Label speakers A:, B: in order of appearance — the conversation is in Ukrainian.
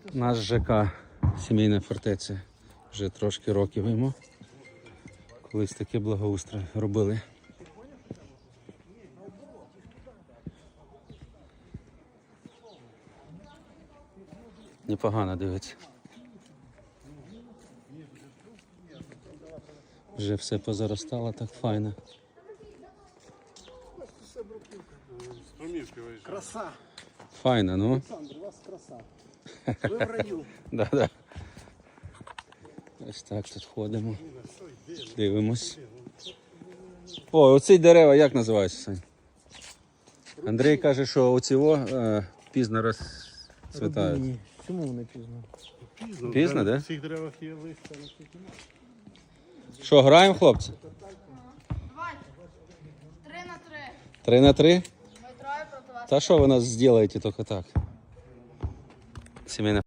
A: Наш ЖК Сімейна фортеця. Вже трошки років йому. Колись таке благоустрій робили. Непогано дивиться. Вже все позаростало, так файно.
B: Краса.
A: Файно, ну.
B: Олександр, у вас краса. Ви в раю.
A: Да-да. Ось так тут ходимо. Дивимось. О, оці дерева як називаються, Сань? Андрій каже, що оці пізно розцвітають.
B: Ні, чому вони пізно?
A: Пізно, да?
C: В цих деревах є листя.
A: Що, граємо, хлопці?
D: Давайте. 3-3.
A: 3 на 3?
D: Ми троє проти вас.
A: Та що ви нас зробите тільки так? Сімейна